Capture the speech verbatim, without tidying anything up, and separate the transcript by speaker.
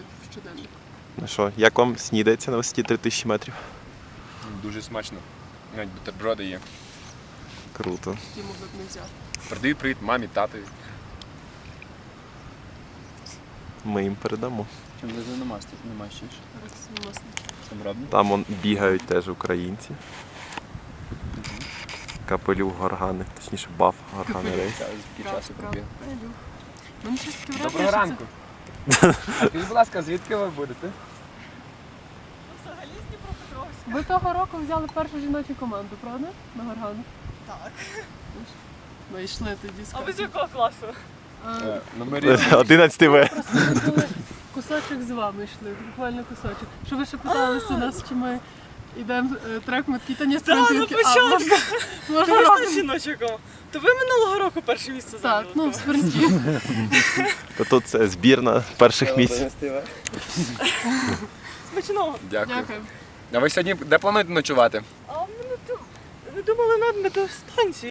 Speaker 1: в щоденник.
Speaker 2: Ну що, як вам снідається на висоті три тисячі метрів?
Speaker 3: Дуже смачно. Навіть бутерброди є.
Speaker 2: Круто.
Speaker 1: Ті могли б не взяти.
Speaker 3: Передаю привіт мамі, татові.
Speaker 2: Ми їм передамо.
Speaker 4: Чим ви намастиш? Намащиш?
Speaker 1: Зараз власне.
Speaker 4: Сам робимо?
Speaker 2: Там он бігають теж українці. Капелюх Горгани, точніше баф Горгани рейс.
Speaker 4: Скільки часу пробіг?
Speaker 1: У мене щось таке
Speaker 3: Доброго
Speaker 1: враження,
Speaker 3: ранку. А скажіть, будь ласка, звідки ви будете?
Speaker 1: Ви того року взяли першу жіночу команду, правда? На Горгану?
Speaker 5: Так.
Speaker 1: Ми йшли тоді з
Speaker 5: А ви з якого класу?
Speaker 3: Е, Номері.
Speaker 2: одинадцятий В.
Speaker 1: Просто ми були кусочок з вами йшли, буквально кусочок. Що ви ще питалися нас, чи ми йдемо е, трек, ми такі, та ні,
Speaker 5: Так, на
Speaker 1: спринтинки, а
Speaker 5: початку.
Speaker 1: можна,
Speaker 5: Ви
Speaker 1: можна
Speaker 5: ж на
Speaker 1: разом.
Speaker 5: жіночого. То ви минулого року перше місце
Speaker 1: Так,
Speaker 5: зайняли.
Speaker 1: ну в спринті.
Speaker 2: То тут це збірна перших місць.
Speaker 5: Смачного.
Speaker 3: Дякую.
Speaker 1: Дякую.
Speaker 3: А ви сьогодні де плануєте ночувати?
Speaker 5: А ми не, ду- не думали над метеостанцією.